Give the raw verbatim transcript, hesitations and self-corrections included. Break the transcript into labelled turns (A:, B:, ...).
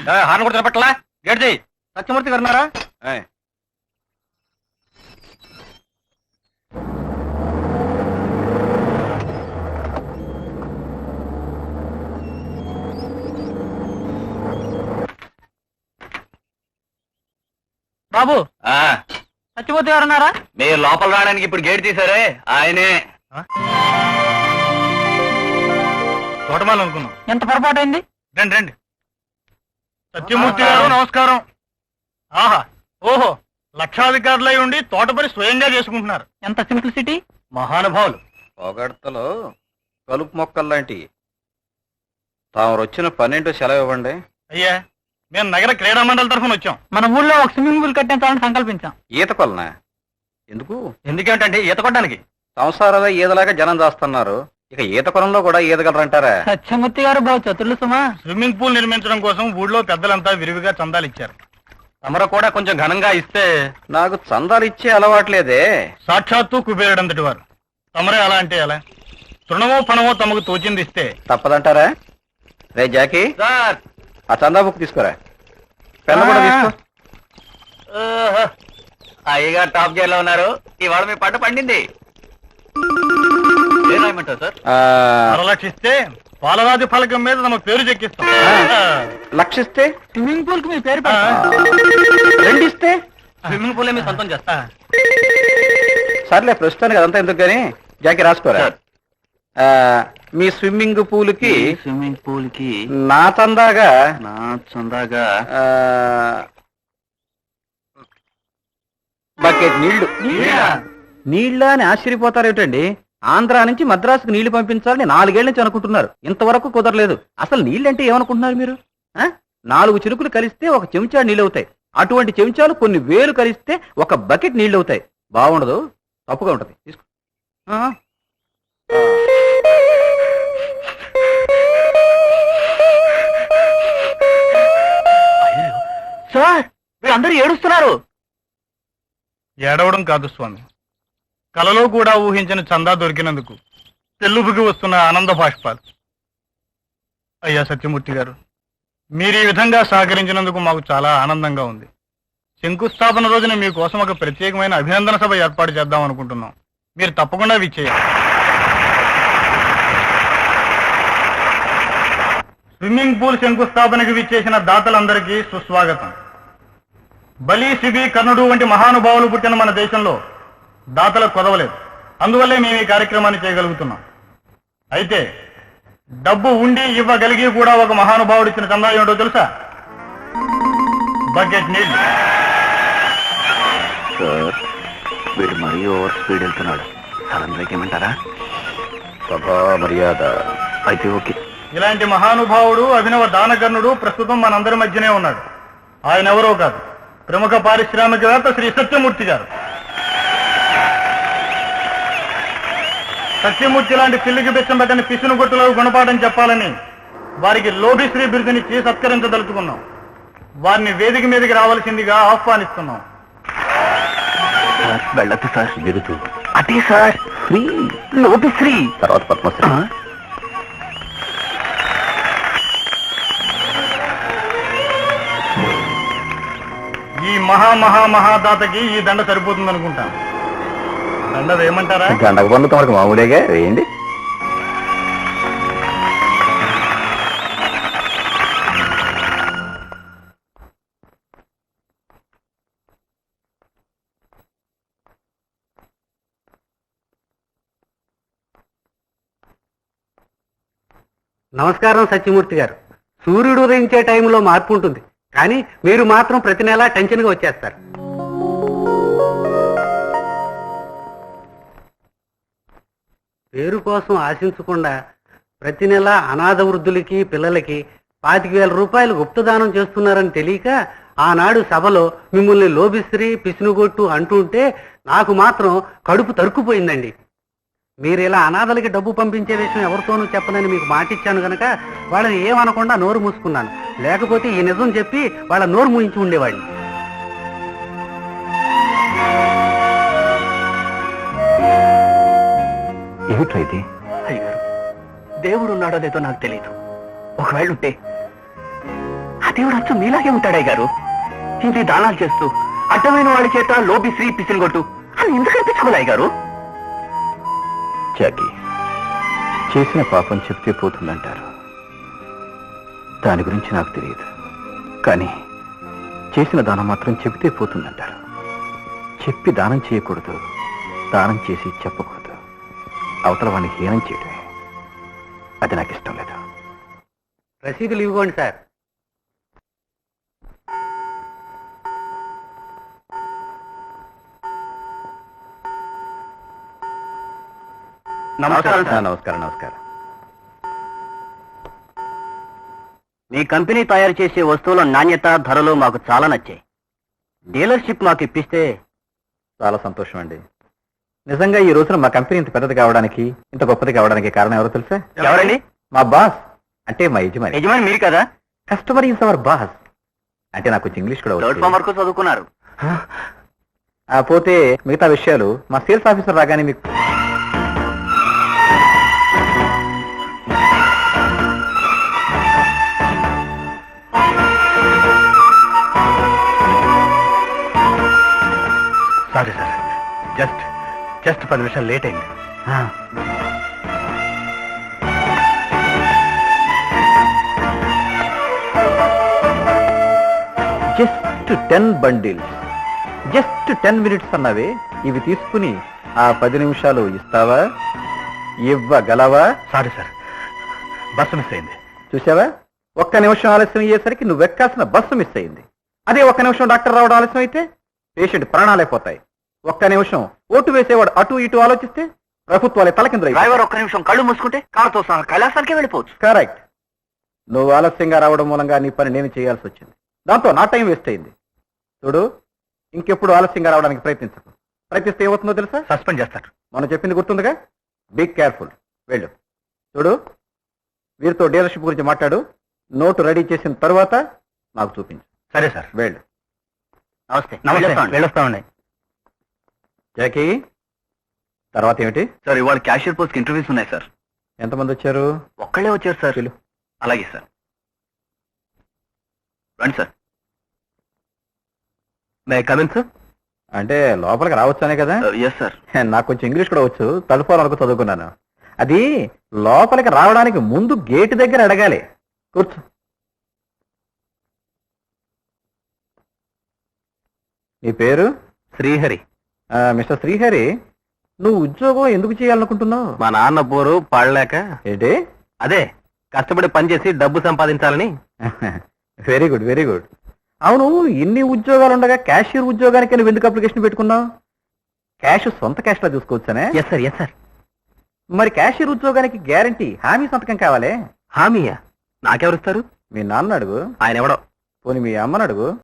A: Horn కూడా తినపట్లా gate చేయి. సత్యమూర్తి గారు ఉన్నారా? బాబు సత్యమూర్తి గారు ఉన్నారా?
B: మీరు లోపల రావడానికి ఇప్పుడు గేట్ తీసారే ఆయనే.
A: తోటమాలు అనుకున్నాం.
C: ఎంత పొరపాటు అయింది?
A: రండి రండి. సత్యమూర్తి గారు నమస్కారం. ఆహా ఓహో, లక్షాధికారులై ఉండి తోట పని స్వయంగా చేసుకుంటున్నారు.
C: ఎంత సింప్లిసిటీ.
A: మహానుభావులు.
B: పొగడ్తలో కలుపు మొక్కల్లాంటి తాము వచ్చిన పన్నెండు సెలవు ఇవ్వండి.
A: అయ్యా, మేము నగర క్రీడా మండలి తరఫున వచ్చాం.
C: మన ఊళ్ళో ఒక స్విమ్మింగ్ పూల్ కట్టించాలని సంకల్పించాం.
B: ఈత కొలనా? ఎందుకు?
A: ఎందుకేంటండి ఈత కొట్టడానికి.
B: సంసారాలు ఈదలాగా జనం చేస్తున్నారు, ఇక ఈత కొలంలో కూడా ఈదగలరంటారా?
C: సత్యమూర్తి గారు బాగు చతుర్లు సుమా.
A: స్విమ్మింగ్ పూల్ నిర్మించడం కోసం ఊళ్ళో పెద్దలంతా విరివిగా చందాలు ఇచ్చారు. తమరు కూడా కొంచెం ఘనంగా ఇస్తే.
B: నాకు చందాలు ఇచ్చే అలవాట్లేదే.
A: సాక్షాత్తు కుబేరుడంతటి వారు తమరే అలా అంటే ఎలా? తృణమో పణమో తమకు తోచింది ఇస్తే
B: తప్పదంటారా? రే జాకీ,
A: సార్
B: ఆ చందా బుక్ తీసుకురా. పెన్ను కూడా తీసుకో.
A: అయ్యగా టాప్ గేర్ లో ఉన్నారు. ఇవాళ మీ పంట పండింది. ఏమంటారు సార్? లక్షిస్తే పాలరాజు ఫలకం మీద తమ పేరు చెక్కిస్తాం.
B: లక్షిస్తే
C: స్విమ్మింగ్ పూల్ కి మీ పేరు
B: రెండిస్తే
A: స్విమ్మింగ్ పూల్ మీ సొంతం చేస్తా.
B: సర్లే, ప్రస్తుతానికి అదంతా ఎందుకు గానీ జాకీ రాసుకోరా. మీ స్విమ్మింగ్ పూల్ కి
A: స్విమ్మింగ్ పూల్ కి
B: నా చందాగా
A: నా చందాగా
B: బకెట్ నీళ్లు. నీళ్ళ అని ఆశ్చర్యపోతారేమిటండి? ఆంధ్రా నుంచి మద్రాసుకు నీళ్లు పంపించాలని నాలుగేళ్ల నుంచి అనుకుంటున్నారు, ఇంతవరకు కుదరలేదు. అసలు నీళ్ళంటే ఏమనుకుంటున్నారు మీరు? నాలుగు చిరుకులు కలిస్తే ఒక చెంచా నీళ్ళు అవుతాయి. అటువంటి చెంచాలు కొన్ని వేలు కలిస్తే ఒక బకెట్ నీళ్ళు అవుతాయి. బాగుండదు, తప్పుగా ఉంటది. తీసుకో.
C: సార్ వీళ్ళందరూ ఏడుస్తున్నారు.
A: ఏడవడం కాదు స్వామి, కలలో కూడా ఊహించని చందా దొరికినందుకు తెల్లుబుకి వస్తున్న ఆనంద బాష్పాలు. అయ్యా సత్యమూర్తి గారు, మీరు ఈ విధంగా సహకరించినందుకు మాకు చాలా ఆనందంగా ఉంది. శంకుస్థాపన రోజున మీకోసం ఒక ప్రత్యేకమైన అభినందన సభ ఏర్పాటు చేద్దాం అనుకుంటున్నాం. మీరు తప్పకుండా విచ్చేయాలి. స్విమ్మింగ్ పూల్ శంకుస్థాపనకు విచ్చేసిన దాతలందరికీ సుస్వాగతం. బలి, శిబి, కర్ణుడు వంటి మహానుభావులు పుట్టిన మన దేశంలో దాతలకు కొదవలేదు. అందువల్లే మేము ఈ కార్యక్రమాన్ని చేయగలుగుతున్నాం. అయితే డబ్బు ఉండి ఇవ్వగలిగి కూడా ఒక మహానుభావుడు ఇచ్చిన చందా ఏమిటో తెలుసా? బకెట్ నీళ్ళు.
B: సార్, వీడు మరీ ఓవర్ స్పీడ్ వెళ్తున్నాడు. సడన్ బ్రేక్ ఏమంటారా? సభా మర్యాద అయితే ఓకే.
A: ఇలాంటి మహానుభావుడు, అభినవ దానకర్ణుడు ప్రస్తుతం మనందరి మధ్యనే ఉన్నాడు. ఆయన ఎవరో కాదు, ప్రముఖ పారిశ్రామికవేత్త శ్రీ సత్యమూర్తి గారు. సత్యమూర్తి లాంటి పిల్లికి బెచ్చం పెట్టని పిసును గుట్టులకు గుణపాఠం చెప్పాలని వారికి లోభిశ్రీ బిరుదునిచ్చి సత్కరించదలుచుకున్నాం. వారిని వేదిక మీదకి రావాల్సిందిగా ఆహ్వానిస్తున్నాం.
B: వెళ్ళదు సార్, బిరుదు అదే సార్, శ్రీ లోభిశ్రీ, తర్వాత పద్మశ్రీ.
A: ఈ మహా మహా మహాదాతకి ఈ దండ సరిపోతుంది అనుకుంటాను. దండ వేయమంటారా?
B: గండక పనులు తమకు మామూలుగా వేయండి.
D: నమస్కారం సత్యమూర్తి గారు. సూర్యుడు ఉదయించే టైంలో మార్పు ఉంటుంది, కానీ మీరు మాత్రం ప్రతి నెలా టెన్షన్గా వచ్చేస్తారు. పేరు కోసం ఆశించకుండా ప్రతి నెల అనాథ వృద్ధులకి, పిల్లలకి పాతిక వేల రూపాయలు గుప్తదానం చేస్తున్నారని తెలియక ఆనాడు సభలో మిమ్మల్ని లోభిశ్రీ, పిసినుగొట్టు అంటుంటే నాకు మాత్రం కడుపు తరుక్కుపోయిందండి. మీరు ఇలా అనాథలకి డబ్బు పంపించే విషయం ఎవరితోనూ చెప్పనని మీకు మాటిచ్చాను గనక వాళ్ళని ఏమనకుండా నోరు మూసుకున్నాను. లేకపోతే ఈ నిజం చెప్పి వాళ్ళ నోరు మూయించి ఉండేవాడిని.
B: ఏమిటైతే?
D: అయ్యారు, దేవుడు ఉన్నాడో లేదో నాకు తెలియదు. ఒకవేళ ఉంటే
C: దేవుడు అచ్చు మీలాగే ఉంటాడే గారు. ఇంటి దానాలు చేస్తూ అడ్డమైన వాడి చేత లోబి శ్రీ పిసినగొట్టు అని ఎందుకు అనిపించుకోలే గారు?
B: జాకి, చేసిన పాపం చెప్తే పోతుందంటారు. దాని గురించి నాకు తెలియదు, కానీ చేసిన దానం మాత్రం చెబితే పోతుందంటారు. చెప్పి దానం చేయకూడదు, దానం చేసి చెప్పకూడదు. అవతల వాడిని హీనం చేయడమే. అది నాకు ఇష్టం లేదు.
D: రసీదులు ఇవ్వండి సార్.
B: నమస్కారం సార్. నమస్కారం నమస్కారం
C: మీ కంపెనీ తయారు చేసే వస్తువుల నాణ్యత, ధరలు మాకు చాలా నచ్చాయి. డీలర్షిప్ మాకు ఇప్పిస్తే
B: చాలా సంతోషం అండి. నిజంగా ఈ రోజున మా కంపెనీ ఇంత పెద్దది కావడానికి, ఇంత గొప్పది కావడానికి కారణం ఎవరో తెలుసా?
C: ఎవరండి?
B: మా బాస్, అంటే మా యజమాని.
C: యజమాని మీరు కదా?
B: Customer is our boss. అంటే నాకు కొంచెం ఇంగ్లీష్ కూడా
C: థర్డ్
B: వచ్చు.
C: ఫామ్ వరకు చదువుకున్నారు.
B: ఆ, పోతే మిగతా విషయాలు మా సేల్స్ ఆఫీసర్ రాగానే మీకు
A: సారీ సార్, జస్ట్ జస్ట్ పది నిమిషాలు లేట్ అయింది.
B: Just ten bundles, just ten minutes అన్నవే. ఇవి తీసుకుని ఆ పది నిమిషాలు ఇస్తావా? ఇవ్వగలవా?
A: సారీ సార్, బస్సు మిస్ అయింది.
B: చూసావా, ఒక్క నిమిషం ఆలస్యం అయ్యేసరికి నువ్వు ఎక్కాల్సిన బస్సు మిస్ అయింది. అదే ఒక్క నిమిషం డాక్టర్ రావడం ఆలస్యం అయితే పేషెంట్ ప్రాణాలైపోతాయి. ఒక్క నిమిషం ఓటు వేసేవాడు అటు ఇటు ఆలోచిస్తే ప్రభుత్వాలే తలకిందులై.
C: డ్రైవర్ ఒక్క నిమిషం కళ్ళు మూసుకుంటే కారుతో సహా కైలాసానికే వెళ్ళిపోవచ్చు.
B: కరెక్ట్. నువ్వు ఆలస్యంగా రావడం మూలంగా నీ పని నేను చేయాల్సి వచ్చింది. దాంతో నా టైం వేస్ట్ అయింది. చూడు, ఇంకెప్పుడు ఆలస్యంగా రావడానికి ప్రయత్నించకు. ప్రయత్నిస్తే ఏమవుతుందో తెలుసా?
A: సస్పెండ్ చేస్తారు.
B: మనం చెప్పింది గుర్తుందిగా? Be careful. వెళ్ళు. చూడు, వీరితో డీలర్షిప్ గురించి మాట్లాడు. నోటు రెడీ చేసిన తర్వాత నాకు చూపించు.
A: సరే సార్.
B: వెళ్ళు.
C: నమస్తే.
A: నమస్తే, వెళ్ళొస్తామండి.
B: జాకీ, తర్వాత ఏమిటి?
C: సార్, ఇవాళ క్యాషియర్ పోస్ట్ ఇంటర్వ్యూస్ ఉన్నాయి సార్.
B: ఎంతమంది వచ్చారు?
C: ఒక్కళ్ళే వచ్చారు సార్.
B: పిలు.
C: అలాగే సార్. రండి సార్. May come in sir?
B: అంటే లోపలికి రావచ్చానే కదా?
C: Yes sir.
B: నాకు కొంచెం ఇంగ్లీష్ కూడా వచ్చు. తలుపు వరకు చదువుకున్నాను. అది లోపలికి రావడానికి ముందు గేటు దగ్గర అడగాలి. కూర్చో. నీ పేరు?
C: శ్రీహరి.
B: ఆ, మిస్టర్ శ్రీహరి, నువ్వు ఉద్యోగం ఎందుకు చేయాలనుకుంటున్నావు?
C: మా నాన్న పోరు పాడలేక.
B: ఏంటి?
C: అదే, కష్టపడి పనిచేసి డబ్బు సంపాదించాలని.
B: Very good, very good. అవును, ఇన్ని ఉద్యోగాలు ఉండగా క్యాషియర్ ఉద్యోగానికి నువ్వు ఎందుకు అప్లికేషన్ పెట్టుకున్నావు? క్యాష్ సొంత క్యాష్ లా చూసుకోవచ్చానే?
C: Yes sir, yes sir.
B: మరి క్యాషియర్ ఉద్యోగానికి గ్యారంటీ, హామీ సంతకం కావాలే?
C: హామీయా? నాకెవరిస్తారు?
B: మీ నాన్న అడుగు.
C: ఆయన ఎవడో.
B: పోనీ మీ అమ్మని అడుగు.